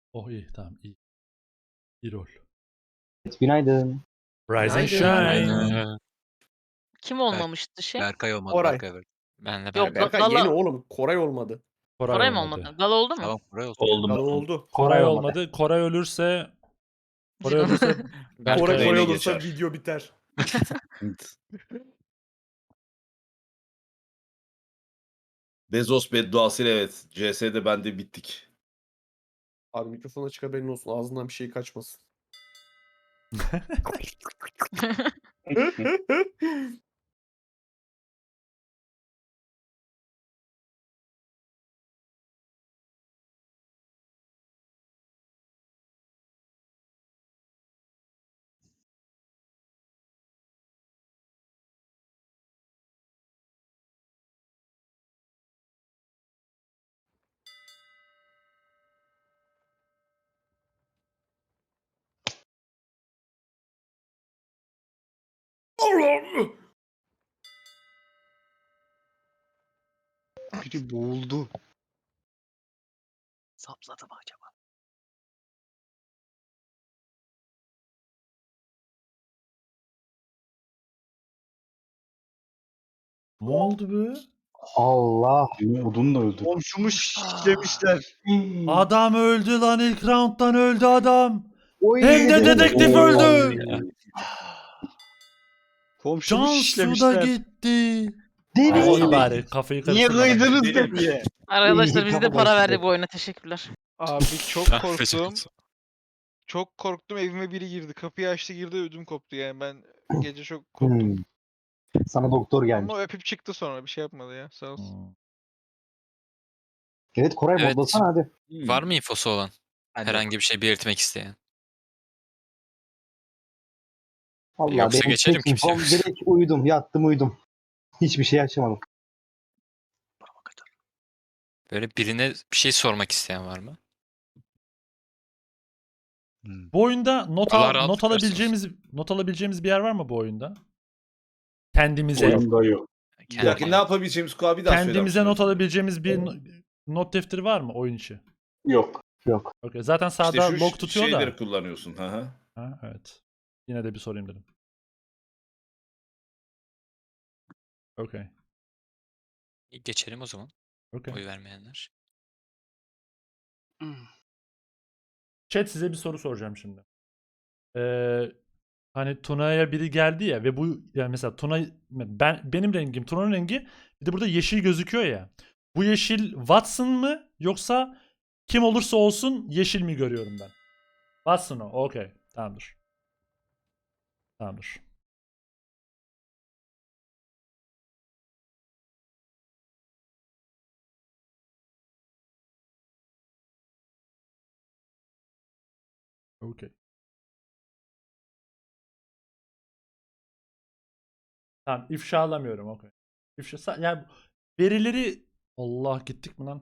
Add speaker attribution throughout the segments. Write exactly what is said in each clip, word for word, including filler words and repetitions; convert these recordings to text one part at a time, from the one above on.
Speaker 1: Oh iyi tamam iyi. İyi rol.
Speaker 2: Günaydın.
Speaker 1: Rise and
Speaker 3: Günaydın.
Speaker 1: shine.
Speaker 3: Aynen.
Speaker 4: Kim olmamıştı şey?
Speaker 3: Berkay olmadı.
Speaker 5: Koray.
Speaker 3: Berkay verdi. Benle
Speaker 4: Yok,
Speaker 3: Berkay.
Speaker 5: Berkay
Speaker 4: Gala-
Speaker 5: yeni oğlum. Koray olmadı.
Speaker 1: Koray,
Speaker 4: Koray mı
Speaker 1: olmadı.
Speaker 4: olmadı? Gala oldu mu?
Speaker 3: Tamam Koray olsun.
Speaker 6: Oldu
Speaker 5: Galo
Speaker 6: mu?
Speaker 5: oldu.
Speaker 1: Koray
Speaker 2: olmadı.
Speaker 1: olmadı. Koray ölürse Koray ölürse
Speaker 3: Berkay
Speaker 5: Koray
Speaker 3: öyle
Speaker 5: Koray
Speaker 6: Öyle
Speaker 5: olursa
Speaker 6: geçer.
Speaker 5: video biter.
Speaker 6: Bezos bedduasıyla evet. C S'de ben de bittik.
Speaker 5: Abi mikrofon açık haberin olsun. Ağzından bir şey kaçmasın. Allah'ım.
Speaker 7: Biri boğuldu.
Speaker 3: Sapladı mı acaba?
Speaker 1: ne oldu be?
Speaker 2: Allah.
Speaker 7: Odun da öldü.
Speaker 8: Komşumu şişlemişler.
Speaker 1: Adam öldü lan ilk round'dan öldü adam.
Speaker 2: Oy,
Speaker 1: Hem de
Speaker 2: dedim.
Speaker 1: dedektif
Speaker 2: Oo.
Speaker 1: öldü.
Speaker 8: Komşumu
Speaker 1: Cansu da
Speaker 8: şişlemişler.
Speaker 1: gitti.
Speaker 2: Deli.
Speaker 1: Ay, iyi bari kafayı
Speaker 8: Niye
Speaker 1: karıştırmadan.
Speaker 8: kıydınız diye.
Speaker 4: Arkadaşlar
Speaker 2: İyi,
Speaker 4: bize de
Speaker 2: kafa
Speaker 4: para
Speaker 2: karıştı.
Speaker 4: verdi bu oyuna. Teşekkürler.
Speaker 7: Abi çok
Speaker 3: Afiyet
Speaker 7: korktum.
Speaker 3: olsun.
Speaker 7: Çok korktum, evime biri girdi. Kapıyı açtı girdi, ödüm koptu yani. Ben gece çok korktum.
Speaker 2: Hmm. Sana doktor gelmiş.
Speaker 7: Ama öpüp çıktı sonra, bir şey yapmadı ya, sağ olsun.
Speaker 1: Hmm.
Speaker 2: Evet Koray
Speaker 3: Evet.
Speaker 2: modlasana hadi.
Speaker 3: Var mı infosu olan?
Speaker 5: Hadi
Speaker 3: Herhangi bir şey belirtmek isteyen.
Speaker 2: Allah
Speaker 3: Yoksa
Speaker 2: benim
Speaker 3: geçelim
Speaker 2: tek
Speaker 3: kimse
Speaker 2: infom
Speaker 3: yoksa.
Speaker 2: direkt uyudum yattım uyudum. Hiçbir şey açamadım.
Speaker 3: Böyle birine bir şey sormak isteyen var mı?
Speaker 1: Bu oyunda not,
Speaker 3: Allah
Speaker 1: al,
Speaker 3: rahatlık
Speaker 1: not
Speaker 3: versin
Speaker 1: alabileceğimiz not alabileceğimiz bir yer var mı bu oyunda? Kendimize.
Speaker 6: Oyunda yok. Bir
Speaker 3: Kendi-
Speaker 6: dakika ne yapabileceğimiz Kuğa bir daha söyler
Speaker 1: Kendimize
Speaker 6: misin
Speaker 1: not
Speaker 6: lütfen?
Speaker 1: alabileceğimiz bir no- not defteri var mı oyun içi?
Speaker 6: Yok.
Speaker 2: Yok.
Speaker 1: Okay. Zaten
Speaker 6: İşte
Speaker 1: sağda
Speaker 6: şu
Speaker 1: log tutuyor
Speaker 6: şeyleri
Speaker 1: da.
Speaker 6: kullanıyorsun. Hı hı.
Speaker 1: Ha, evet. Yine de bir sorayım dedim. Okay.
Speaker 3: Geçelim o zaman.
Speaker 1: Okay.
Speaker 3: Oy vermeyenler.
Speaker 1: Chat size bir soru soracağım şimdi. Ee, hani Tuna'ya biri geldi ya ve bu yani mesela Tuna ben benim rengim Tuna'nın rengi bir de burada yeşil gözüküyor ya. Bu yeşil Watson mı yoksa kim olursa olsun yeşil mi görüyorum ben? Watson o. Okey. Tamamdır. Tamamdır. Okey. Tamam ifşalamıyorum okey. İfşa sa- yani verileri Allah gittik mi lan?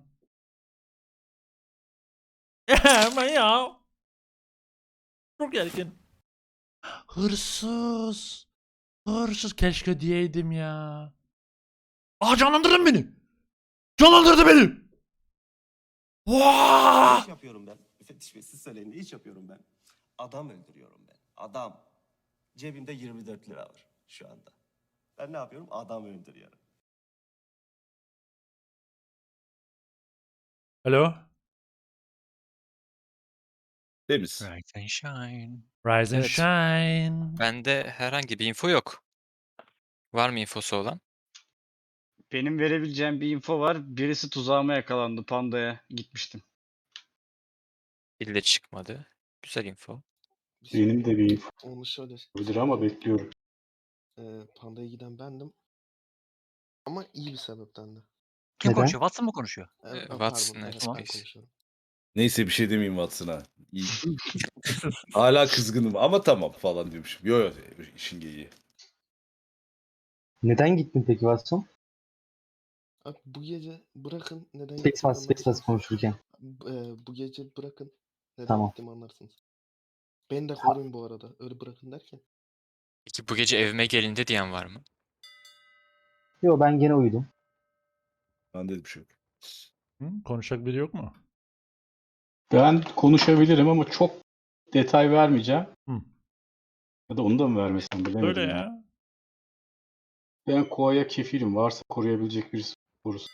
Speaker 1: Ama ya. Çok erken. Hırsız. Hırsız keşke diyeydim ya. Aa canlandırdın beni. Canlandırdı beni. Vaa!
Speaker 9: İş yapıyorum ben. Müfettiş Bey siz söyleyin ne iş yapıyorum ben? Adam öldürüyorum ben. Adam. Cebimde yirmi dört lira var şu anda. Ben ne yapıyorum? Adam öldürüyorum.
Speaker 1: Alo.
Speaker 6: Temiz.
Speaker 3: Rise and shine.
Speaker 1: Rise and
Speaker 3: Evet.
Speaker 1: shine.
Speaker 3: Bende herhangi bir info yok. Var mı infosu olan?
Speaker 8: Benim verebileceğim bir info var. Birisi tuzağıma yakalandı. Panda'ya gitmiştim.
Speaker 3: Birileri çıkmadı. Güzel info.
Speaker 10: Benim de bir info
Speaker 9: Onu şöyle
Speaker 10: olabilir ama bekliyorum.
Speaker 9: e, Panda'ya giden bendim. Ama iyi bir sebepten de.
Speaker 2: Kim Neden? konuşuyor?
Speaker 3: Watson mı konuşuyor?
Speaker 9: Evet,
Speaker 3: Ee,
Speaker 9: ha,
Speaker 3: Watson,
Speaker 9: pardon,
Speaker 3: evet,
Speaker 9: evet, ben
Speaker 3: please.
Speaker 9: konuşuyorum.
Speaker 6: Neyse bir şey demeyeyim Watson'a. İyi. Hala kızgınım ama tamam falan diyormuşum. Yo yo işin geyiği.
Speaker 2: Neden gittin peki Watson?
Speaker 9: Abi, bu gece bırakın neden
Speaker 2: Space
Speaker 9: gittiğimi
Speaker 2: Pass, Space Pass
Speaker 9: anlarsınız.
Speaker 2: konuşurken.
Speaker 9: Bu- e, bu gece bırakın neden
Speaker 2: Tamam.
Speaker 9: gittiğimi anlarsınız. Beni de koruyun bu arada. Öyle bırakın derken.
Speaker 3: Peki bu gece evime gelindi diyen var mı?
Speaker 2: Yo ben gene uyudum.
Speaker 6: Ben de bir şey yok.
Speaker 1: Hı? Konuşacak biri yok mu?
Speaker 10: Ben konuşabilirim ama çok detay vermeyeceğim.
Speaker 1: Hı.
Speaker 10: Ya da onu da mı vermesem bilemedim
Speaker 1: Öyle
Speaker 10: ya.
Speaker 1: ya.
Speaker 10: Ben Koa'ya kefilim. Varsa koruyabilecek birisi korusun.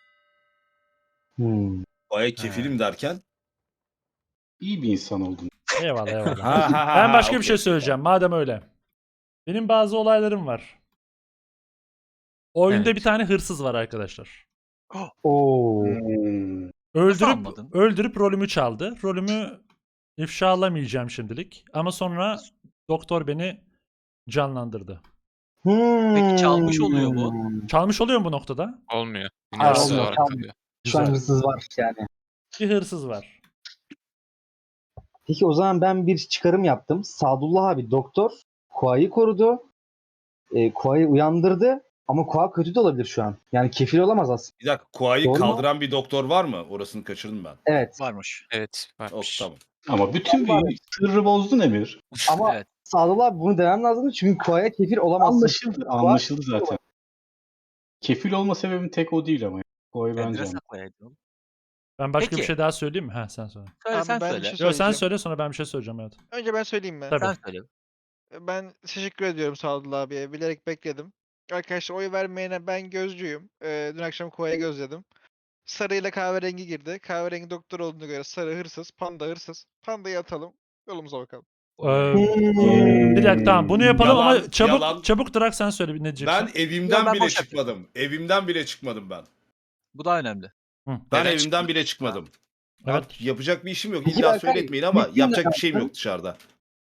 Speaker 2: Hmm.
Speaker 6: Baya kefilim derken.
Speaker 10: İyi bir insan oldun.
Speaker 1: Eyvallah eyvallah.
Speaker 6: Ha, ha, ha,
Speaker 1: Ben
Speaker 6: ha,
Speaker 1: başka bir
Speaker 6: okey,
Speaker 1: şey
Speaker 6: okey,
Speaker 1: söyleyeceğim madem öyle. Benim bazı olaylarım var. Oyunda
Speaker 3: Evet.
Speaker 1: bir tane hırsız var arkadaşlar.
Speaker 2: Oo.
Speaker 10: Hmm.
Speaker 1: Öldürüp
Speaker 3: anladın?
Speaker 1: öldürüp rolümü çaldı. Rolümü ifşalamayacağım şimdilik. Ama sonra doktor beni canlandırdı.
Speaker 2: Peki
Speaker 3: çalmış oluyor mu?
Speaker 1: Çalmış oluyor mu bu noktada?
Speaker 3: Olmuyor. Yine
Speaker 2: Hayır,
Speaker 3: hırsız
Speaker 2: olmuyor,
Speaker 3: olarak
Speaker 2: çalmıyor.
Speaker 3: kalıyor.
Speaker 2: Şu an
Speaker 1: Güzel.
Speaker 2: hırsız var yani.
Speaker 1: Bir hırsız var.
Speaker 2: Peki o zaman ben bir çıkarım yaptım. Sadullah abi doktor Kuay'ı korudu. E, Kuay'ı uyandırdı. Ama Kuay kötü de olabilir şu an. Yani kefil olamaz aslında.
Speaker 6: Bir dakika, Kuay'ı
Speaker 2: Doğru mu?
Speaker 6: kaldıran bir doktor var mı? Orasını kaçırdım ben.
Speaker 2: Evet.
Speaker 3: Varmış. Evet
Speaker 6: Ok,
Speaker 3: varmış.
Speaker 6: tamam.
Speaker 10: Ama bütün bir sırrı bozdun Emir.
Speaker 2: Ama
Speaker 3: Evet.
Speaker 2: Sadullah abi bunu demem lazım çünkü Kuay'a kefil olamazsın.
Speaker 10: Anlaşıldı. Anlaşıldı zaten. Kefil olma sebebim tek o değil ama. Koa'yı bence. anladım.
Speaker 1: Ben başka bir
Speaker 3: Peki.
Speaker 1: şey daha söyleyeyim mi? Ha sen söyle.
Speaker 7: Abi ben bir şey
Speaker 1: Yo sen
Speaker 7: söyleyeceğim.
Speaker 1: söyle sonra ben bir şey söyleyeceğim evet.
Speaker 7: Önce ben söyleyeyim mi?
Speaker 1: Tabii.
Speaker 3: söyle.
Speaker 7: Ben teşekkür ediyorum Sadullah abiye. Bilerek bekledim. Arkadaşlar oy vermeyene ben gözcüyüm. Ee, dün akşam Kuay'ı gözledim. Sarı ile kahverengi girdi. Kahverengi doktor olduğuna göre sarı hırsız, panda hırsız. Pandayı atalım. Yolumuza bakalım.
Speaker 1: Ee,
Speaker 2: Hmm.
Speaker 1: bir dakika tamam bunu yapalım
Speaker 6: Yalan,
Speaker 1: ama çabuk
Speaker 6: yalan.
Speaker 1: çabuk Drak sen söyle bir ne
Speaker 6: Ben
Speaker 1: diyeceksin.
Speaker 6: evimden
Speaker 3: ben
Speaker 6: bile
Speaker 3: boş
Speaker 6: çıkmadım. Evimden bile çıkmadım ben.
Speaker 3: Bu da önemli.
Speaker 1: Hı.
Speaker 6: Ben
Speaker 3: Neden
Speaker 6: evimden
Speaker 3: çıkmadın?
Speaker 6: bile çıkmadım.
Speaker 1: Evet.
Speaker 6: Artık yapacak bir işim yok.
Speaker 2: Peki
Speaker 6: İlla
Speaker 2: Berkay,
Speaker 6: söyletmeyin ama
Speaker 2: ilk
Speaker 6: yapacak
Speaker 2: gün
Speaker 6: bir şeyim
Speaker 2: ne
Speaker 6: yok dışarıda.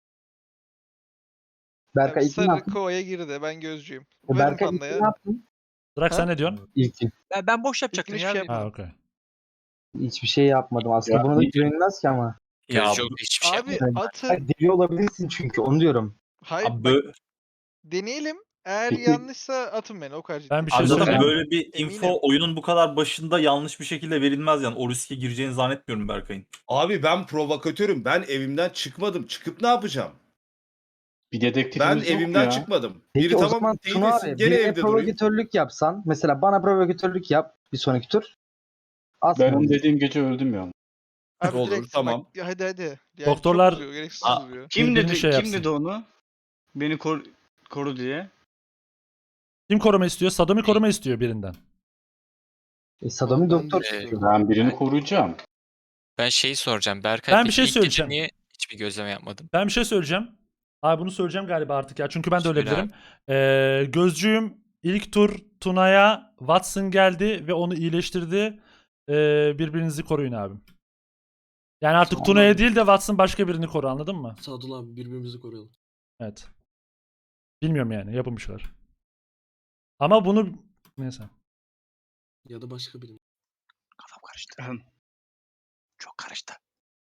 Speaker 2: Berkay
Speaker 7: Yani
Speaker 2: ilk ne
Speaker 7: sarı
Speaker 2: yaptın?
Speaker 7: Kuay'a girdi. Ben gözcüyüm.
Speaker 2: E,
Speaker 7: Verin
Speaker 2: Berkay ilk
Speaker 7: pandaya.
Speaker 2: ne yaptın?
Speaker 1: Drak
Speaker 7: Ha?
Speaker 1: sen ne diyorsun?
Speaker 2: İlk gün.
Speaker 3: Ben, ben boş
Speaker 7: yapacaktım hiçbir şey
Speaker 3: ya.
Speaker 1: Ha
Speaker 7: yapmadım.
Speaker 1: okey.
Speaker 2: Hiçbir şey yapmadım aslında.
Speaker 10: Ya,
Speaker 2: Buna da
Speaker 10: ilk-
Speaker 2: güvenilmez ki ama.
Speaker 3: Ya
Speaker 6: Ya,
Speaker 3: yok hiçbir şey
Speaker 7: Abi
Speaker 3: yapmadım.
Speaker 7: atın.
Speaker 2: Hayır, deli olabilirsin çünkü onu diyorum.
Speaker 7: Hayır
Speaker 11: Abi
Speaker 7: bak
Speaker 11: bö-
Speaker 7: deneyelim. Eğer
Speaker 10: Peki-
Speaker 7: yanlışsa atın beni o kadar ciddi.
Speaker 1: Ben bir şey
Speaker 11: abi zaten
Speaker 1: söyleyeyim.
Speaker 11: böyle bir info
Speaker 7: Eminim.
Speaker 11: oyunun bu kadar başında yanlış bir şekilde verilmez yani. O riske gireceğini zannetmiyorum Berkay'ın.
Speaker 6: Abi ben provokatörüm. Ben evimden çıkmadım. Çıkıp ne yapacağım?
Speaker 10: Bir
Speaker 6: Ben
Speaker 10: dedektifimiz yok mu
Speaker 6: evimden
Speaker 10: ya?
Speaker 6: çıkmadım.
Speaker 2: Peki
Speaker 6: Biri
Speaker 2: o
Speaker 6: tamam
Speaker 2: zaman
Speaker 6: teyit
Speaker 2: Tuna
Speaker 6: etsin,
Speaker 2: abi
Speaker 6: gene
Speaker 2: birine
Speaker 6: evde durayım.
Speaker 2: provokatörlük yapsan. Mesela bana provokatörlük yap bir sonraki tur. Asma
Speaker 10: Ben onu
Speaker 2: bizi.
Speaker 10: dediğim gece öldüm ya.
Speaker 7: Abi
Speaker 6: Olur,
Speaker 7: direkt
Speaker 6: tamam.
Speaker 7: bak hadi hadi. Yani
Speaker 1: Doktorlar-
Speaker 7: çok uzuyor, gereksiz
Speaker 11: Aa,
Speaker 7: uzuyor.
Speaker 8: Kim
Speaker 1: Birbirini
Speaker 8: dedi
Speaker 1: şey
Speaker 8: kim
Speaker 1: yapsın.
Speaker 8: dedi onu? Beni kor- koru diye.
Speaker 1: Kim koruma istiyor? Sadomi koruma istiyor birinden.
Speaker 2: E, Sadomi
Speaker 5: Ben
Speaker 2: doktor
Speaker 5: de-
Speaker 2: istiyor.
Speaker 10: Ben birini koruyacağım.
Speaker 3: Ben şeyi soracağım. Berkay
Speaker 1: Ben bir
Speaker 3: peki
Speaker 1: şey
Speaker 3: ilk gece
Speaker 1: söyleyeceğim.
Speaker 3: niye hiçbir gözleme yapmadın?
Speaker 1: Ben bir şey söyleyeceğim. Abi bunu söyleyeceğim galiba artık ya. Çünkü ben de öyle
Speaker 3: Söyle
Speaker 1: bilirim. Ee, gözcüğüm ilk tur Tuna'ya Watson geldi ve onu iyileştirdi. Ee, birbirinizi koruyun abi. Yani artık
Speaker 5: Tamam.
Speaker 1: Tuna'ya değil de Watson başka birini koru anladın mı?
Speaker 5: Sadullah abi birbirimizi koruyalım.
Speaker 1: Evet. Bilmiyorum yani yapın bir şeyler. Ama bunu neyse.
Speaker 5: Ya da başka birini.
Speaker 3: Kafam karıştı.
Speaker 8: Ahem.
Speaker 3: Çok karıştı.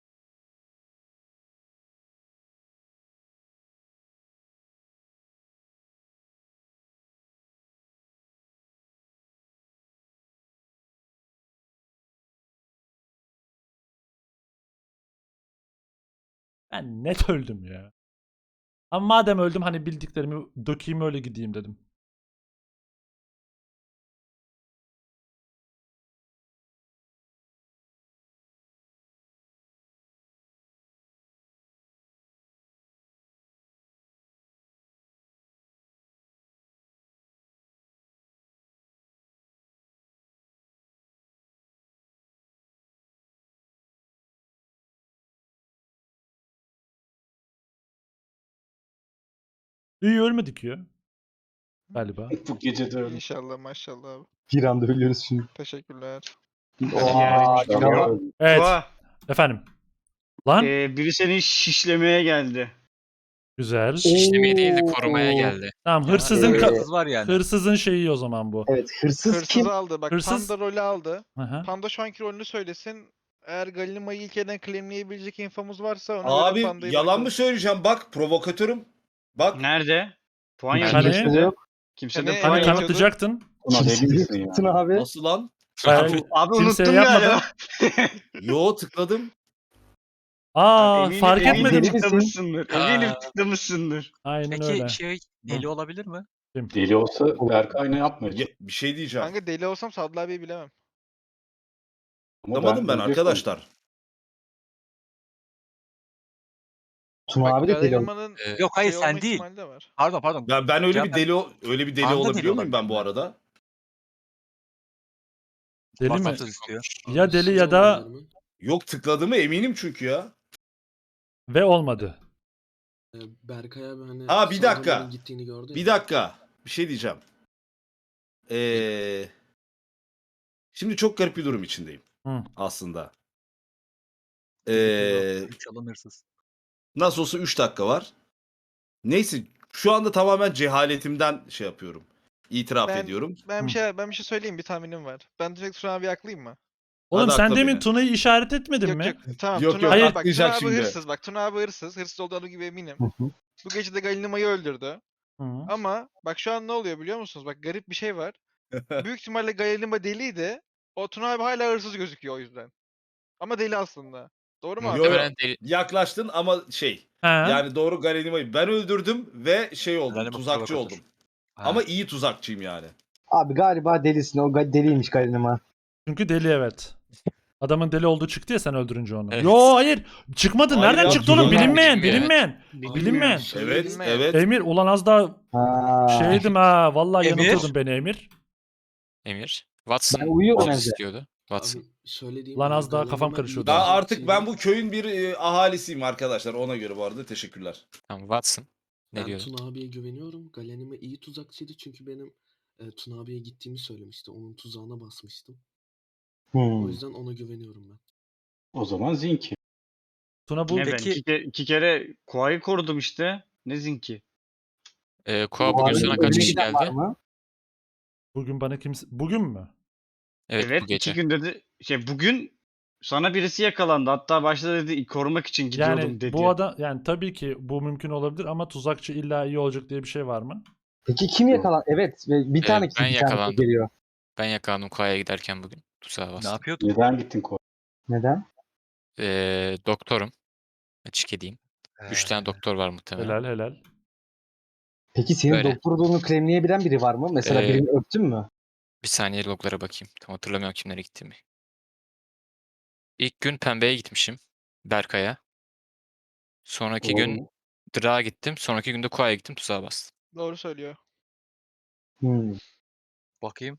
Speaker 1: Ben net öldüm ya. Ama madem öldüm hani bildiklerimi dökeyim öyle gideyim dedim. İyi ölmedik ya. Galiba.
Speaker 10: Bu gece de öldüm.
Speaker 7: İnşallah maşallah abi.
Speaker 2: Bir anda ölüyoruz şimdi.
Speaker 7: Teşekkürler.
Speaker 2: Oha,
Speaker 8: Yani-
Speaker 2: ya.
Speaker 1: Evet.
Speaker 8: Koa,
Speaker 1: Efendim. Lan.
Speaker 8: e, biri seni şişlemeye geldi.
Speaker 1: Güzel.
Speaker 3: İşlemeye değil de
Speaker 2: Oo.
Speaker 3: korumaya geldi.
Speaker 1: Tamam hırsızın
Speaker 2: Evet.
Speaker 1: ka-
Speaker 3: Hırsız var yani.
Speaker 1: hırsızın şeyi o zaman bu.
Speaker 2: Evet hırsız
Speaker 7: Hırsızı
Speaker 2: kim?
Speaker 7: aldı. Bak
Speaker 1: Hırsız-
Speaker 7: Panda rolü aldı.
Speaker 1: Aha.
Speaker 7: Panda şu anki rolünü söylesin. Eğer Galima'yı ilk elden claimleyebilecek infomuz varsa ona göre
Speaker 6: Abi
Speaker 7: Panda'yı
Speaker 6: yalan
Speaker 7: bırakalım.
Speaker 6: mı söyleyeceğim? Bak provokatörüm. Bak
Speaker 8: Nerede? Puan
Speaker 2: Hiç
Speaker 1: Hani-
Speaker 8: yazıyor.
Speaker 2: kimse yok.
Speaker 8: Kimse
Speaker 7: Hani-
Speaker 8: de
Speaker 7: Hani
Speaker 8: puan
Speaker 1: Hani
Speaker 7: yazıyordu.
Speaker 1: kanıtlayacaktın.
Speaker 10: Buna deli misin ya?
Speaker 2: Kimsin abi?
Speaker 6: nasıl lan?
Speaker 1: Bayağı-
Speaker 8: Abi
Speaker 1: Kimseye
Speaker 8: unuttum
Speaker 1: yapmadın.
Speaker 8: galiba.
Speaker 6: Yo tıkladım.
Speaker 1: Aa
Speaker 8: Eminim-
Speaker 1: fark
Speaker 8: eminim
Speaker 1: etmedim.
Speaker 2: Deli misin?
Speaker 8: tıklamışsındır. Eminim
Speaker 3: Aa.
Speaker 8: tıklamışsındır.
Speaker 1: Aynen
Speaker 3: Peki
Speaker 1: öyle.
Speaker 3: şey deli olabilir mi?
Speaker 10: Deli olsa Berkay ne yapmayacak?
Speaker 6: Ya, bir şey diyeceğim.
Speaker 7: Kanka deli olsam Sadullah abiyi bilemem.
Speaker 10: Ama
Speaker 6: Anlamadım ben
Speaker 10: ölecektim.
Speaker 6: arkadaşlar.
Speaker 2: Tuna
Speaker 3: Bak,
Speaker 2: abi de deli oldu.
Speaker 7: Galerima'nın
Speaker 3: Ee,
Speaker 11: Yok hayır
Speaker 7: şey olma
Speaker 11: sen değil.
Speaker 7: ihtimali de var.
Speaker 11: Pardon pardon.
Speaker 6: Ben, ben öyle bir
Speaker 11: Cafer-
Speaker 6: deli o- öyle bir deli
Speaker 11: Panda deli
Speaker 6: olabiliyor muyum ben bu
Speaker 11: olabilir mi?
Speaker 6: arada?
Speaker 1: Deli mi?
Speaker 11: WhatsApp'ta istiyor.
Speaker 1: Ya deli ya da
Speaker 6: Yok tıkladığımı eminim çünkü ya.
Speaker 1: ve olmadı.
Speaker 9: Berkay abi hani
Speaker 6: Ha, bir dakika.
Speaker 9: Sağlam'ın gittiğini gördü
Speaker 6: Bir dakika. Bir şey diyeceğim. Ee, şimdi çok garip bir durum içindeyim.
Speaker 1: Hı.
Speaker 6: Aslında. Ee,
Speaker 11: Çalın hırsız.
Speaker 6: nasıl olsa üç dakika var. Neyse şu anda tamamen cehaletimden şey yapıyorum. İtiraf
Speaker 7: Ben-
Speaker 6: ediyorum.
Speaker 7: Ben bir
Speaker 1: Hı.
Speaker 7: şey ben bir şey söyleyeyim, bir tahminim var. Ben direkt Tuna abi aklayayım mı?
Speaker 1: Oğlum
Speaker 6: Hadi
Speaker 1: sen
Speaker 6: akla
Speaker 1: demin
Speaker 6: beni.
Speaker 1: Tuna'yı işaret etmedin
Speaker 7: Yok
Speaker 1: mi?
Speaker 7: yok. Tamam.
Speaker 6: Yok,
Speaker 7: Tuna
Speaker 6: yok,
Speaker 7: abi,
Speaker 1: Hayır.
Speaker 7: bak,
Speaker 6: atlayacak
Speaker 7: Tuna abi
Speaker 6: şimdi.
Speaker 7: hırsız. Bak Tuna abi hırsız. Hırsız olduğu gibi eminim.
Speaker 2: Hı hı.
Speaker 7: Bu gece de Galinima'yı öldürdü.
Speaker 1: Hı.
Speaker 7: Ama bak şu an ne oluyor biliyor musunuz? Bak garip bir şey var. Büyük ihtimalle Galinima deliydi. O Tuna abi hala hırsız gözüküyor o yüzden. Ama deli aslında. Doğru mu abi?
Speaker 6: Yo, yo.
Speaker 3: Muhtemelen deli-
Speaker 6: Yaklaştın ama şey.
Speaker 1: Ha.
Speaker 6: Yani doğru Galenima'yı ben öldürdüm ve şey oldum.
Speaker 11: Galenima
Speaker 6: Tuzakçı
Speaker 11: provokatör.
Speaker 6: oldum.
Speaker 11: Ha.
Speaker 6: Ama iyi tuzakçıyım yani.
Speaker 2: Abi galiba delisin. O ga- deliymiş Galenima.
Speaker 1: Çünkü deli evet. Adamın deli olduğu çıktı ya sen öldürünce onu.
Speaker 3: Evet.
Speaker 1: Yo hayır. Çıkmadı.
Speaker 6: Hayır
Speaker 1: Nereden
Speaker 6: ya,
Speaker 1: çıktı oğlum?
Speaker 6: bilinmeyen,
Speaker 1: Bilinmeyen.
Speaker 3: bilinmeyen.
Speaker 1: Bilinmeyen. Bilinmeyen.
Speaker 6: Evet,
Speaker 7: Bilmeyen.
Speaker 6: evet.
Speaker 1: Emir ulan az daha
Speaker 2: Ha.
Speaker 1: şeydim ha. Vallahi
Speaker 11: Emir?
Speaker 1: yanıltıyordun beni Emir.
Speaker 3: Emir. Watson
Speaker 2: Ben uyuyorum
Speaker 3: Watson
Speaker 2: evde.
Speaker 3: istiyordu. Watson.
Speaker 9: şöyle diyeyim.
Speaker 1: Lan
Speaker 9: hani
Speaker 1: az daha kafam
Speaker 9: Galenima
Speaker 1: karışıyordu.
Speaker 9: iyi
Speaker 6: Ben
Speaker 1: Tuzakçıydı.
Speaker 6: artık ben bu köyün bir e, ahalisiyim arkadaşlar. Ona göre bu arada teşekkürler.
Speaker 3: Tamam Watson. Ne
Speaker 9: Ben
Speaker 3: diyordu?
Speaker 9: Tuna abiye güveniyorum. Galenima iyi tuzakçıydı çünkü benim e, Tuna abiye gittiğimi söylemişti. Onun tuzağına basmıştım.
Speaker 2: Hmm.
Speaker 9: O yüzden ona güveniyorum ben.
Speaker 10: O zaman Zinki.
Speaker 1: Tuna bu
Speaker 8: Ne ben
Speaker 11: Peki-
Speaker 8: iki, ke- iki kere Kuay'ı korudum işte. Ne zinki?
Speaker 3: Ee, Koa
Speaker 2: Bu
Speaker 3: bugün
Speaker 2: arada
Speaker 3: sana
Speaker 2: önüne
Speaker 3: kaç kişi
Speaker 2: giden var
Speaker 3: geldi?
Speaker 2: mı?
Speaker 1: bugün bana kimse bugün mü?
Speaker 3: Evet,
Speaker 8: Evet,
Speaker 3: bu gece.
Speaker 8: iki günde de şey bugün sana birisi yakalandı. Hatta başta dedi korumak için gidiyordum
Speaker 1: Yani
Speaker 8: dedi.
Speaker 1: bu adam yani tabii ki bu mümkün olabilir ama tuzakçı illa iyi olacak diye bir şey var mı?
Speaker 2: Peki kim yakalan? Evet. ve Bir
Speaker 3: Ee,
Speaker 2: tane
Speaker 3: ben
Speaker 2: kişi bir tanesi
Speaker 3: yakalandım.
Speaker 2: geliyor.
Speaker 3: Ben yakalandım Koa'ya giderken bugün. Tuzağa
Speaker 11: Ne
Speaker 3: bastım.
Speaker 11: yapıyordun?
Speaker 10: Neden gittin Koa?
Speaker 2: Neden?
Speaker 3: Ee, doktorum. Açık edeyim. Üç tane doktor var muhtemelen.
Speaker 1: Helal helal.
Speaker 2: Peki senin
Speaker 3: Böyle.
Speaker 2: doktor olduğunu claimleyebilen biri var mı? Mesela
Speaker 3: Ee,
Speaker 2: birini öptün mü?
Speaker 3: Bir saniye loglara bakayım. Tam hatırlamıyorum kimlere gittiğimi. İlk gün Pembe'ye gitmişim. Berkay'a. Sonraki
Speaker 10: Doğru
Speaker 3: gün
Speaker 10: mu?
Speaker 3: Drak'a gittim. Sonraki günde Koa'ya gittim. Tuzağa bastım.
Speaker 7: Doğru söylüyor.
Speaker 2: Hmm.
Speaker 11: Bakayım.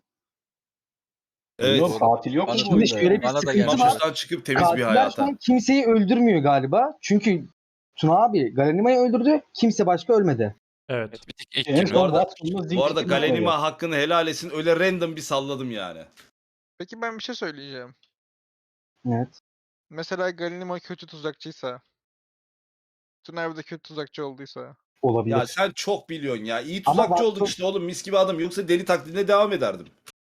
Speaker 6: Evet.
Speaker 10: Yok, katil yok mu bu
Speaker 2: Şimdi
Speaker 10: oyunda
Speaker 2: şöyle
Speaker 10: ya?
Speaker 2: bir
Speaker 11: Bana da
Speaker 2: sıkıntı
Speaker 11: gelmiş.
Speaker 2: var.
Speaker 6: Mahpustan çıkıp temiz bir
Speaker 2: Katiller şu
Speaker 6: hayata.
Speaker 2: an kimseyi öldürmüyor galiba. Çünkü Tuna abi Galenima'yı öldürdü. Kimse başka ölmedi.
Speaker 1: Evet.
Speaker 3: Evet, bir tek ilk
Speaker 10: En
Speaker 3: gün
Speaker 10: son
Speaker 6: Bu
Speaker 3: öldü.
Speaker 6: arada-
Speaker 10: Watson'la Zinki
Speaker 6: Bu arada
Speaker 10: kim oluyor?
Speaker 6: Galenima hakkını helal etsin. Öyle random bir salladım yani.
Speaker 7: Peki ben bir şey söyleyeceğim.
Speaker 2: Evet.
Speaker 7: Mesela Galinima kötü tuzakçıysa, Tuna abi de kötü tuzakçı olduysa.
Speaker 2: Olabilir.
Speaker 6: Ya sen çok biliyorsun ya. İyi
Speaker 2: Ama
Speaker 6: tuzakçı
Speaker 2: Watson-
Speaker 6: olduk işte oğlum, mis gibi adam. Yoksa deli taklidine devam ederdim.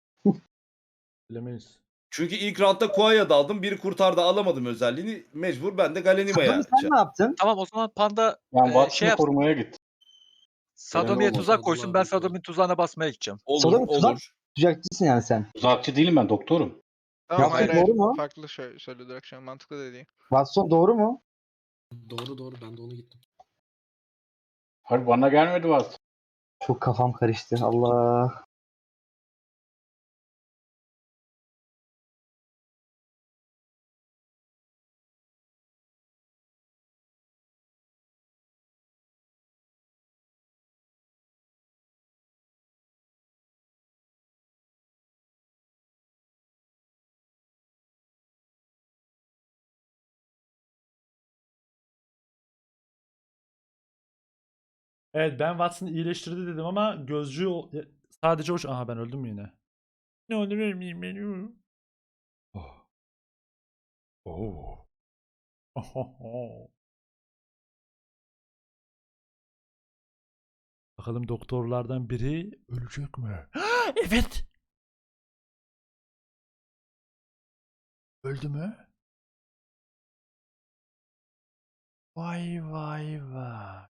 Speaker 1: Bilemeyiz.
Speaker 6: Çünkü ilk roundda Koa'ya daldım. Biri kurtardı, alamadım özelliğini. Mecbur ben de Galenima'ya.
Speaker 2: Sadomi sen ne yaptın?
Speaker 11: Tamam o zaman Panda
Speaker 10: Ben
Speaker 11: e,
Speaker 10: Watson'ı
Speaker 11: şey yapsın.
Speaker 10: korumaya gittim.
Speaker 11: Sadomi'ye
Speaker 10: olmadı.
Speaker 11: tuzak koysun. Ben
Speaker 9: Sadullah abi
Speaker 11: Sadomi'nin tuzağına basmaya gideceğim.
Speaker 6: Olur,
Speaker 2: Sadomi tuzak
Speaker 6: olur.
Speaker 2: tuzakçısın yani sen.
Speaker 10: Tuzakçı değilim ben, doktorum.
Speaker 7: Tamam
Speaker 2: Yaptın,
Speaker 7: hayır hayır.
Speaker 2: doğru mu?
Speaker 7: Farklı şey söyledi akşam. Mantıklı dediği.
Speaker 2: Watson doğru mu?
Speaker 9: Doğru doğru ben de onu gittim.
Speaker 10: Hayır, bana gelmedi Watson.
Speaker 2: Çok kafam karıştı. Allah.
Speaker 1: Evet ben Watson'ı iyileştirdi dedim ama gözcü o- sadece o... Aha ben öldüm mü yine? Ne olur ölmeyeyim beni. Oh. Oh. Ohoho. Bakalım doktorlardan biri ölecek mi? Evet. Öldü mü? Vay vay vay.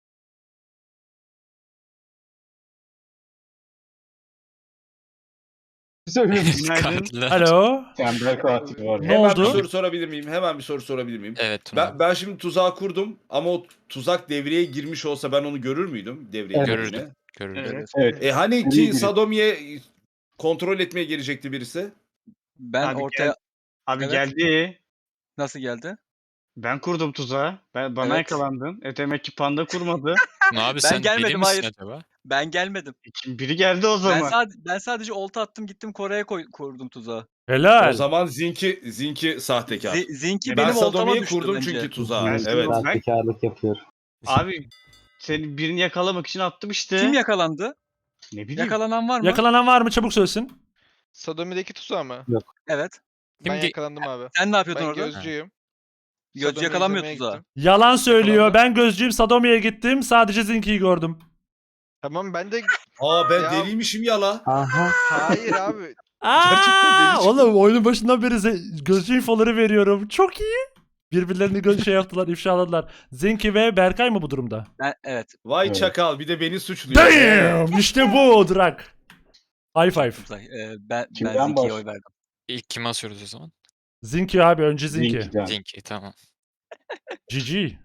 Speaker 2: Söylüyorum.
Speaker 8: Günaydın.
Speaker 3: Katiller.
Speaker 1: Alo.
Speaker 10: Tembel katil var.
Speaker 1: Ne
Speaker 6: Hemen
Speaker 1: oldu?
Speaker 6: bir soru sorabilir miyim? Hemen bir soru sorabilir miyim?
Speaker 3: Evet Tuna.
Speaker 6: Ben, ben şimdi tuzağı kurdum ama o tuzak devreye girmiş olsa ben onu görür müydüm? Devreye
Speaker 2: Evet.
Speaker 6: girdiğini?
Speaker 3: Görürdüm. Görürdüm.
Speaker 8: Evet.
Speaker 10: Evet.
Speaker 6: E hani
Speaker 10: Nereye
Speaker 6: ki
Speaker 10: girip-
Speaker 6: Sadomi'ye kontrol etmeye gelecekti birisi?
Speaker 11: Ben
Speaker 8: Abi
Speaker 11: ortaya
Speaker 8: gel- Abi
Speaker 11: Evet.
Speaker 8: geldi.
Speaker 11: nasıl geldi?
Speaker 8: Ben kurdum tuzağı. Ben, bana
Speaker 3: Evet.
Speaker 8: yakalandın. E demek ki panda kurmadı.
Speaker 3: Tuna abi
Speaker 12: Ben
Speaker 3: sen deli
Speaker 12: gelmedim,
Speaker 3: misin
Speaker 12: hayır.
Speaker 3: acaba?
Speaker 12: Ben gelmedim.
Speaker 8: E kim- biri geldi o
Speaker 12: Ben,
Speaker 8: zaman.
Speaker 12: sad ben sadece olta attım gittim Kore'ye koy kurdum tuzağı.
Speaker 1: Helal.
Speaker 6: O zaman Zinki Zinki sahtekar.
Speaker 12: Zi Zinki
Speaker 8: Ben
Speaker 6: Ben
Speaker 12: benim oltama
Speaker 6: Sadomi'yi
Speaker 12: düştü
Speaker 6: kurdum
Speaker 12: bence.
Speaker 6: çünkü tuzağa.
Speaker 8: Ben
Speaker 6: Evet.
Speaker 8: Sadomi-
Speaker 2: Sahtekarlık yapıyor.
Speaker 8: Abi seni birini yakalamak için attım işte.
Speaker 12: Kim yakalandı?
Speaker 8: Ne bileyim.
Speaker 12: Yakalanan var mı?
Speaker 1: Yakalanan var mı? Çabuk söylesin.
Speaker 7: Sodomi'deki tuzağı mı?
Speaker 12: Evet.
Speaker 7: Ben
Speaker 3: Kim ge-
Speaker 7: yakalandım abi.
Speaker 12: Sen ne yapıyordun
Speaker 7: Ben
Speaker 12: orada?
Speaker 7: gözcüyüm.
Speaker 12: Gözcü
Speaker 7: Sodomi
Speaker 12: yakalanmıyor
Speaker 7: izlemeye
Speaker 12: tuzağa.
Speaker 7: gittim.
Speaker 1: Yalan söylüyor.
Speaker 7: Yakalandı.
Speaker 1: Ben gözcüyüm. Sadomi'ye gittim. Sadece Zinki'yi gördüm.
Speaker 7: Tamam ben de
Speaker 6: Aa ben
Speaker 7: Ya-
Speaker 6: deliymişim ya la.
Speaker 2: Aha.
Speaker 7: hayır abi.
Speaker 6: Gerçekten deli çıktı.
Speaker 1: Oğlum oyunun başından beri ze- gözcü infoları veriyorum. Çok iyi. Birbirlerini göz şey yaptılar, ifşaladılar. Zinki ve Berkay mı bu durumda?
Speaker 12: Ben, evet.
Speaker 6: Vay
Speaker 10: Evet.
Speaker 6: çakal bir de beni suçluyor.
Speaker 1: Damn! İşte bu Drak. High five.
Speaker 12: Tuzay. Ee, ben
Speaker 10: Kimden
Speaker 12: ben Zinki'ye
Speaker 10: baş-
Speaker 12: oy verdim.
Speaker 3: İlk kime asıyoruz o zaman?
Speaker 1: Zinki abi önce Zinki.
Speaker 10: Zinki'den.
Speaker 3: Zinki tamam.
Speaker 1: G G.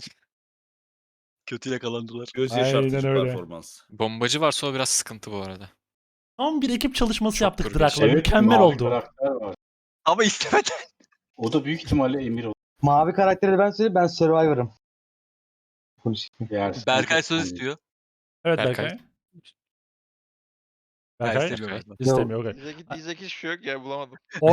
Speaker 12: Kötü yakalandılar.
Speaker 6: Göz
Speaker 1: Aynen
Speaker 6: yaşartıcı
Speaker 1: öyle.
Speaker 6: performans.
Speaker 3: Bombacı varsa o biraz sıkıntı bu arada.
Speaker 1: Tam bir ekip çalışması
Speaker 3: Çok
Speaker 1: yaptık
Speaker 3: kurgu.
Speaker 1: Drak'la.
Speaker 10: Evet,
Speaker 1: Mükemmel
Speaker 10: mavi
Speaker 1: oldu.
Speaker 10: karakter var.
Speaker 12: Ama istemeden.
Speaker 10: O da büyük ihtimalle Emir olur.
Speaker 2: Mavi karakteri de ben söyleyeyim. Ben Survivor'ım. Konuşayım.
Speaker 10: Eğer
Speaker 12: Berkay söz istiyor.
Speaker 1: Evet
Speaker 3: Berkay.
Speaker 1: Berkay.
Speaker 12: Ben
Speaker 1: Berkay
Speaker 12: istemiyorum galiba.
Speaker 1: istemiyor. okey.
Speaker 7: Diyecek, diyecek hiçbir şey yok ya bulamadım.
Speaker 1: O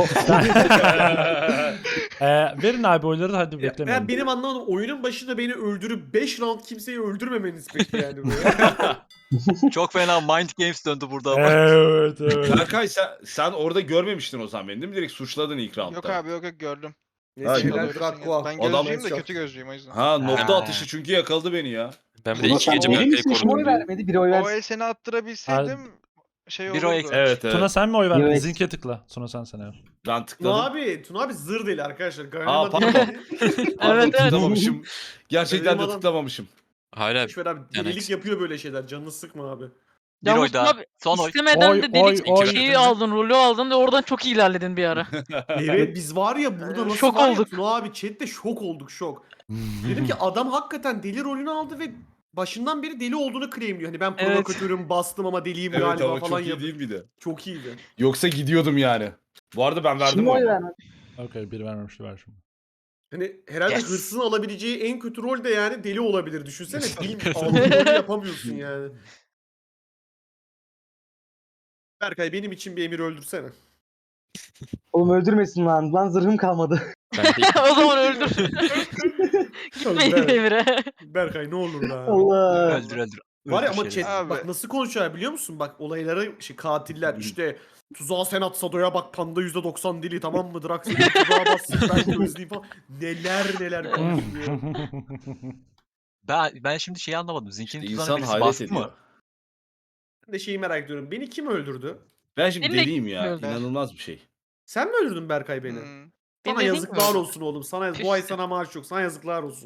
Speaker 1: Ee, verin abi oyları hadi
Speaker 5: Ya,
Speaker 1: beklemeyin.
Speaker 5: ben benim anlamadım. Oyunun başında beni öldürüp beş round kimseyi öldürmemeniz peki yani böyle.
Speaker 12: Çok fena mind games döndü burada ama.
Speaker 1: Evet evet.
Speaker 6: Berkay sen, sen orada görmemiştin o zaman beni değil mi? Direkt suçladın ilk roundda.
Speaker 7: Yok abi yok yok gördüm.
Speaker 6: Ha,
Speaker 5: Neyse
Speaker 6: yok.
Speaker 5: helal
Speaker 7: Doğru,
Speaker 5: Krakua.
Speaker 7: Ben
Speaker 6: Adam-
Speaker 7: gözcüyüm de kötü gözcüyüm o yüzden.
Speaker 6: Ha nokta
Speaker 12: Ha.
Speaker 6: atışı çünkü yakaladı beni ya.
Speaker 3: Ben bir de
Speaker 10: Tuna
Speaker 3: iki
Speaker 10: sen
Speaker 3: gece
Speaker 10: deli
Speaker 3: Berkay'ı
Speaker 10: misin?
Speaker 2: Kim
Speaker 3: korudum.
Speaker 2: oy vermedi? Bir oy
Speaker 7: O
Speaker 2: versin.
Speaker 7: el seni attırabilseydim şey
Speaker 12: Bir
Speaker 7: olurdu.
Speaker 12: o eksik.
Speaker 6: Evet evet.
Speaker 1: Tuna sen mi oy verdin?
Speaker 2: Evet.
Speaker 1: Zinki'ye tıkla. Tuna sen sen eğer.
Speaker 6: Ben
Speaker 5: Tuna
Speaker 6: tıkladım.
Speaker 5: abi, Tuna abi zır deli arkadaşlar.
Speaker 6: Aa
Speaker 5: Gönlüme
Speaker 6: pardon.
Speaker 5: değil.
Speaker 6: Pardon
Speaker 4: Evet, evet.
Speaker 6: tıklamamışım. Gerçekten de
Speaker 5: Benim adam-
Speaker 6: tıklamamışım.
Speaker 3: Hala
Speaker 5: Boşver abi
Speaker 3: Yani
Speaker 5: delilik
Speaker 3: eksik.
Speaker 5: yapıyor böyle şeyler. Canını sıkma abi.
Speaker 12: Bir
Speaker 4: Yalnız
Speaker 12: oy daha.
Speaker 4: Tuna abi,
Speaker 12: Son oy.
Speaker 4: İstemeden
Speaker 1: Oy,
Speaker 4: de
Speaker 1: oy,
Speaker 4: delik
Speaker 1: oy.
Speaker 4: şeyi aldın, rolü aldın ve oradan çok iyi ilerledin bir ara.
Speaker 5: Evet biz var ya burada
Speaker 4: Ee,
Speaker 5: nasıl
Speaker 4: şok
Speaker 5: var ya
Speaker 4: olduk.
Speaker 5: Tuna abi chatte şok olduk şok. Dedim ki adam hakikaten deli rolünü aldı ve başından beri deli olduğunu claimliyor. Hani ben
Speaker 4: Evet.
Speaker 5: provokatörüm bastım ama deliyim
Speaker 6: Evet
Speaker 5: galiba
Speaker 6: ama
Speaker 5: falan
Speaker 6: çok iyi
Speaker 5: yapıyor.
Speaker 6: değil miydi?
Speaker 5: Çok iyiydi.
Speaker 6: Yoksa gidiyordum yani. Bu arada ben verdim
Speaker 2: Kim oy
Speaker 6: oyunu.
Speaker 2: vermedi?
Speaker 1: Okey bir vermemişti ver şimdi.
Speaker 5: Hani herhalde
Speaker 12: Yes.
Speaker 5: hırsızın alabileceği en kötü rol de yani deli olabilir. Düşünsene film aldığın rolü yapamıyorsun yani. Berkay benim için bir emir öldürsene.
Speaker 2: Oğlum öldürmesin lan. Lan zırhım kalmadı.
Speaker 3: ben de
Speaker 4: O zaman öldür. Gitmeyin
Speaker 5: Evet.
Speaker 4: Emir'e.
Speaker 5: Berkay ne olur lan.
Speaker 2: Allah.
Speaker 12: Öldür öldür.
Speaker 5: Var ya
Speaker 12: Öldür
Speaker 5: ama
Speaker 12: şeyleri.
Speaker 5: chat
Speaker 7: Abi.
Speaker 5: bak nasıl konuşuyor biliyor musun? Bak olayları şey, katiller işte tuzağa sen at Sado'ya bak panda yüzde doksan dili tamam mı? Drax seni tuzağa bassın ben gözleyeyim falan. Neler neler konuşuyor.
Speaker 12: Ben, ben şimdi şeyi anlamadım. Zink'in
Speaker 6: İşte
Speaker 12: tuzağına
Speaker 6: insan
Speaker 12: birisi
Speaker 6: hayret
Speaker 12: bastı
Speaker 6: ediyor.
Speaker 12: mı?
Speaker 5: Ben de şeyi merak ediyorum. Beni kim öldürdü?
Speaker 6: Ben şimdi
Speaker 4: Seni de
Speaker 6: deliyim ya.
Speaker 4: bilmiyorum.
Speaker 6: İnanılmaz bir şey.
Speaker 5: Sen mi öldürdün Berkay beni?
Speaker 7: Hmm.
Speaker 5: Sana
Speaker 4: Beni de
Speaker 5: yazıklar
Speaker 4: değil mi?
Speaker 5: olsun oğlum. Sana bu ay sana maaş yok. Sana yazıklar olsun.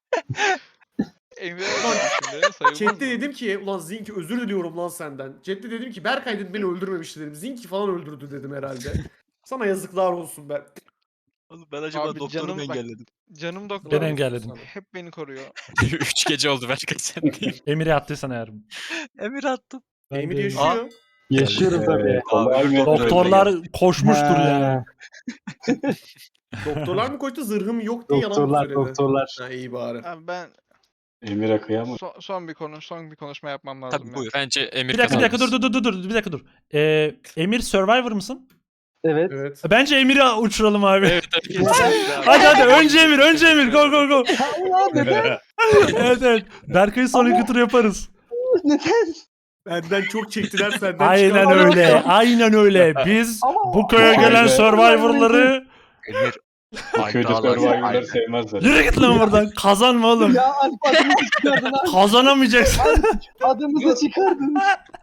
Speaker 7: Emre şimdi sayılmaz
Speaker 5: Chat'te
Speaker 7: mı?
Speaker 5: dedim ki ulan Zinki özür diliyorum lan senden. Chat'te dedim ki Berkay dedim beni öldürmemişti dedim. Zinki falan öldürdü dedim herhalde. Sana yazıklar olsun ben.
Speaker 12: Oğlum ben acaba
Speaker 7: Abi
Speaker 12: doktoru
Speaker 7: canım
Speaker 12: mu
Speaker 7: bak-
Speaker 12: engelledim?
Speaker 7: Canım doktor.
Speaker 1: Ben engelledim.
Speaker 7: Hep beni koruyor.
Speaker 3: üç gece oldu Berkay sen değil.
Speaker 1: Emir'e attıysan eğer.
Speaker 12: Emir attım.
Speaker 1: Ben
Speaker 5: Emir
Speaker 1: de-
Speaker 5: yaşıyor.
Speaker 2: Yaşıyorum tabii.
Speaker 10: Ee, kolay mı?
Speaker 1: Doktorlar koşmuştur
Speaker 2: Ha,
Speaker 1: yani.
Speaker 5: Doktorlar mı koştu zırhım yok diye yalan mı
Speaker 2: Doktorlar
Speaker 5: söyledi?
Speaker 2: doktorlar.
Speaker 5: Ha iyi bari.
Speaker 7: Abi ben
Speaker 10: Emir'e kıyamam.
Speaker 7: son, son bir konu son bir konuşma yapmam lazım.
Speaker 12: Tabii
Speaker 7: ya.
Speaker 12: buyur.
Speaker 3: Bence Emir
Speaker 1: Bir dakika bir dakika dur
Speaker 3: kazanmış.
Speaker 1: dur dur dur bir dakika dur. Ee, Emir Survivor mısın?
Speaker 2: Evet.
Speaker 5: Evet.
Speaker 1: Bence Emir'i uçuralım abi.
Speaker 3: Evet evet.
Speaker 1: Hadi hadi önce Emir önce Emir go go go.
Speaker 2: Allah neden?
Speaker 1: evet evet. Berkay'ı sonraki tur yaparız.
Speaker 2: Neden?
Speaker 5: Benden çok çektiler senden
Speaker 1: Aynen
Speaker 5: çıkarmadım.
Speaker 1: öyle. Aynen öyle. Biz
Speaker 2: Ama-
Speaker 1: bu köye
Speaker 10: Vay
Speaker 1: gelen
Speaker 10: be.
Speaker 1: Survivor'ları
Speaker 12: Emir.
Speaker 10: Bu köyde Survivor'ları sevmezler.
Speaker 1: yürü git lan buradan. Kazanma oğlum.
Speaker 2: Ya Alp adımızı çıkardın ha.
Speaker 1: Kazanamayacaksın.
Speaker 2: Adımızı çıkardın.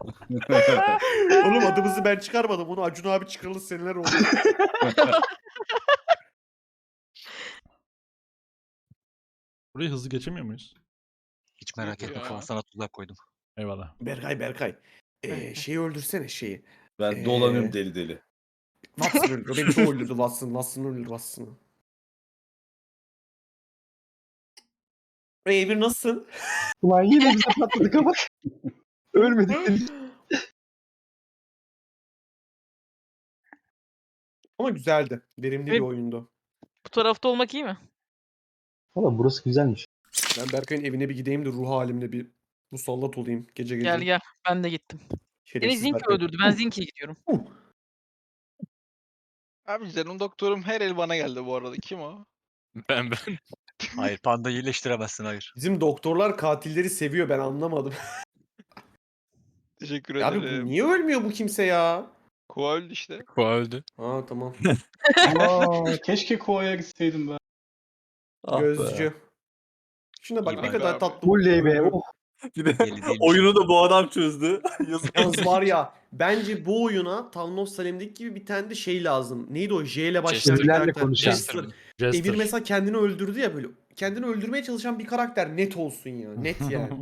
Speaker 5: Oğlum adımızı ben çıkarmadım. Onu Acun abi çıkaralı seneler oldu.
Speaker 1: Burayı hızlı geçemiyor muyuz?
Speaker 12: Hiç merak etme
Speaker 7: Ya.
Speaker 12: falan sana tuzak koydum.
Speaker 1: Eyvallah.
Speaker 5: Berkay Berkay. Ee, şeyi öldürsene şeyi.
Speaker 6: Ben
Speaker 5: Ee,
Speaker 6: dolanıyorum deli deli.
Speaker 5: Watson öldürdü. Beni çok öldürdü Watson. Watson öldürdü Watson'ı. Ey Emir nasılsın?
Speaker 2: Ulan yine bize patladık ama. Ölmedik.
Speaker 5: Ama güzeldi. Verimli
Speaker 4: Evet.
Speaker 5: bir oyundu.
Speaker 4: Bu tarafta olmak iyi mi?
Speaker 2: Valla burası güzelmiş.
Speaker 5: Ben Berkay'ın evine bir gideyim de ruh halimle bir musallat olayım gece gece.
Speaker 4: Gel gel. Ben de gittim. Beni
Speaker 5: Şerefsiz
Speaker 4: Zinki
Speaker 5: Berkay.
Speaker 4: öldürdü. Ben Zinki'ye gidiyorum.
Speaker 7: Abi canım doktorum her el bana geldi bu arada. Kim o?
Speaker 3: Ben ben.
Speaker 12: Hayır panda iyileştiremezsin hayır.
Speaker 5: Bizim doktorlar katilleri seviyor, ben anlamadım.
Speaker 7: Teşekkür
Speaker 5: Abi bu
Speaker 7: ederim.
Speaker 5: niye ölmüyor bu kimse ya?
Speaker 7: Kova öldü işte.
Speaker 3: Koa öldü.
Speaker 5: Ha tamam.
Speaker 10: Aa, keşke Koa'ya gitseydim ben.
Speaker 11: Ah be.
Speaker 5: Gözcü. Şuna bak
Speaker 12: İyi
Speaker 5: ne
Speaker 7: bak
Speaker 5: kadar
Speaker 7: abi.
Speaker 5: tatlı.
Speaker 2: Oley be. Oh.
Speaker 11: Bir de
Speaker 12: Belli değilmiş.
Speaker 11: oyunu da bu adam çözdü. Yazık.
Speaker 5: Yalnız var ya, bence bu oyuna Town of Salem'deki gibi bir tane de şey lazım. Neydi o? J ile başlayan bir
Speaker 2: Ürlerle
Speaker 5: karakter.
Speaker 2: konuşan.
Speaker 5: Jester.
Speaker 1: Jester.
Speaker 5: Emir mesela kendini öldürdü ya böyle. Kendini öldürmeye çalışan bir karakter net olsun ya. Net yani.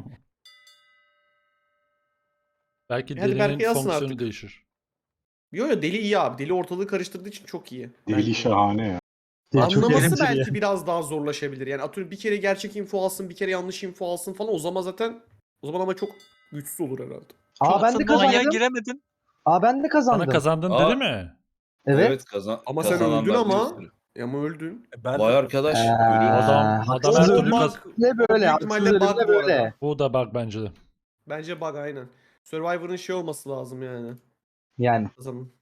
Speaker 1: Belki
Speaker 5: Hadi Berkay
Speaker 1: delinin
Speaker 5: yazsın
Speaker 1: fonksiyonu
Speaker 5: artık.
Speaker 1: değişir.
Speaker 5: Yo yo deli iyi abi. Deli ortalığı karıştırdığı için çok iyi.
Speaker 10: Deli
Speaker 5: Bence.
Speaker 10: şahane ya.
Speaker 2: Çok
Speaker 5: Anlaması
Speaker 2: eğlenceli
Speaker 5: belki
Speaker 2: ya.
Speaker 5: biraz daha zorlaşabilir. Yani atıyorum bir kere gerçek info alsın, bir kere yanlış info alsın falan. O zaman zaten o zaman ama çok güçsüz olur herhalde.
Speaker 2: Aa ben de
Speaker 12: Aslında manyağa
Speaker 2: kazandım.
Speaker 12: giremedim.
Speaker 2: Aa ben de
Speaker 1: Sana
Speaker 2: kazandım.
Speaker 1: kazandın
Speaker 6: Aa.
Speaker 1: dedi mi?
Speaker 2: Evet.
Speaker 6: kazan
Speaker 5: Ama sen öldün
Speaker 6: kazananlar
Speaker 5: ama.
Speaker 6: bir sürü.
Speaker 5: E Ama öldün.
Speaker 11: Ben
Speaker 6: Vay
Speaker 11: de
Speaker 6: arkadaş.
Speaker 2: Ee,
Speaker 6: görüyor musun?
Speaker 1: Adam- adam
Speaker 2: haksız
Speaker 1: her türlü
Speaker 2: ölüm
Speaker 1: kaz-
Speaker 2: ne böyle?
Speaker 5: Büyük
Speaker 2: Haksız
Speaker 5: ihtimalle
Speaker 2: ölüm
Speaker 5: bug
Speaker 2: ne
Speaker 5: bu
Speaker 2: böyle?
Speaker 5: arada.
Speaker 1: Bu da bak bence de.
Speaker 5: Bence bug aynen. Survivor'ın şey olması lazım yani.
Speaker 2: Yani.
Speaker 5: Kazanın.